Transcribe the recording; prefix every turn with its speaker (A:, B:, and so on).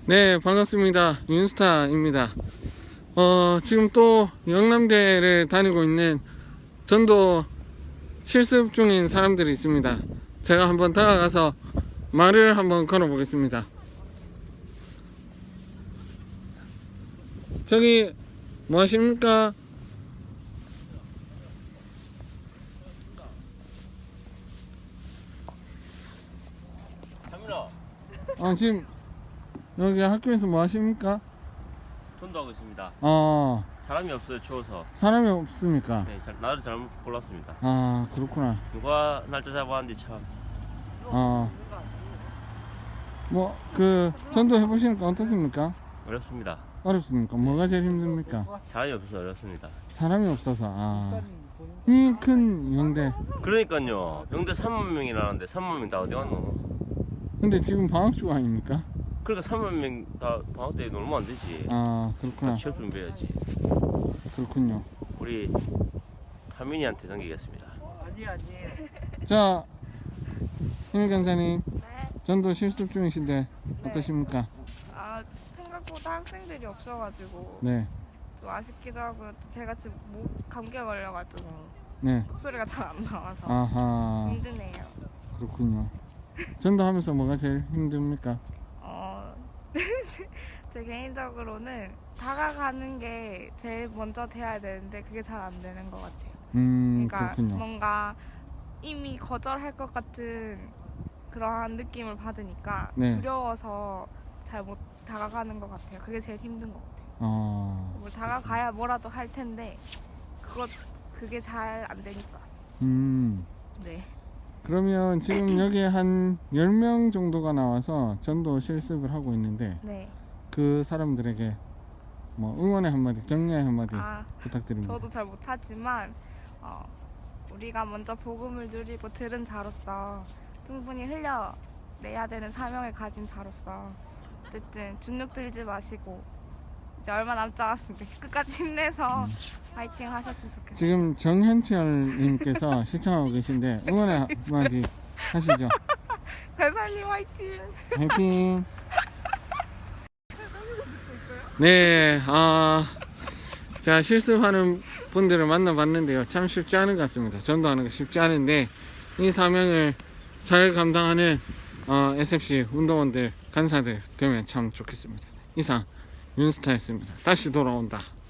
A: 네, 반갑습니다. 윤스타입니다. 지금 또 영남대를 다니고 있는 전도 실습 중인 사람들이 있습니다. 제가 한번 다가가서 말을 한번 걸어보겠습니다. 저기 뭐 하십니까? 지금 여기 학교에서 뭐 하십니까?
B: 전도하고 있습니다. 사람이 없어요, 추워서.
A: 사람이 없습니까?
B: 네, 날을 잘못 골랐습니다.
A: 그렇구나.
B: 누가 날짜 잡았는지 참.
A: 뭐 전도 해보시니까 어떻습니까?
B: 어렵습니다.
A: 어렵습니까? 뭐가 제일 힘듭니까?
B: 사람이 없어서 어렵습니다.
A: 사람이 없어서. 이 큰 영대.
B: 그러니까요. 영대 3만 명이라는데 3만 명 다 어디 갔노?
A: 근데 지금 방학중 아닙니까?
B: 그러니까 3만 명 다 방학 때 놀면 안 되지.
A: 그렇구나.
B: 취업 준비해야지.
A: 그렇군요.
B: 우리 타민이한테 넘기겠습니다.
A: 자, 힘 강사님,
C: 네.
A: 전도 실습 중이신데 어떠십니까?
C: 생각보다 학생들이 없어가지고
A: 네,
C: 좀 아쉽기도 하고 제가 지금 감기가 걸려가지고
A: 네.
C: 목소리가 잘 안 나와서
A: 아하,
C: 힘드네요.
A: 그렇군요. 전도하면서 뭐가 제일 힘듭니까?
C: 제 개인적으로는 다가가는 게 제일 먼저 돼야 되는데 그게 잘 안 되는 것 같아요. 그러니까
A: 그렇군요.
C: 뭔가 이미 거절할 것 같은 그러한 느낌을 받으니까
A: 네.
C: 두려워서 잘 못 다가가는 것 같아요. 그게 제일 힘든 것 같아요. 뭐 다가가야 뭐라도 할 텐데 그게 잘 안 되니까. 네.
A: 그러면 지금 여기에 한 10명 정도가 나와서 전도 실습을 하고 있는데
C: 네.
A: 그 사람들에게 뭐 응원의 한마디, 격려의 한마디 부탁드립니다.
C: 저도 잘 못하지만 우리가 먼저 복음을 누리고 들은 자로서 충분히 흘려내야 되는 사명을 가진 자로서 어쨌든 주눅 들지 마시고 이제 얼마 남지 않았으니까 끝까지 힘내서 파이팅 하셨으면 좋겠어요.
A: 지금 정현철님께서 시청하고 계신데 응원의 한마디 하시죠.
C: 대사님 화이팅!
A: 화이팅! 네, 자, 실습하는 분들을 만나봤는데요. 참 쉽지 않은 것 같습니다. 전도하는 거 쉽지 않은데 이 사명을 잘 감당하는 SFC 운동원들, 간사들 되면 참 좋겠습니다. 이상 윤스타였습니다. 다시 돌아온다.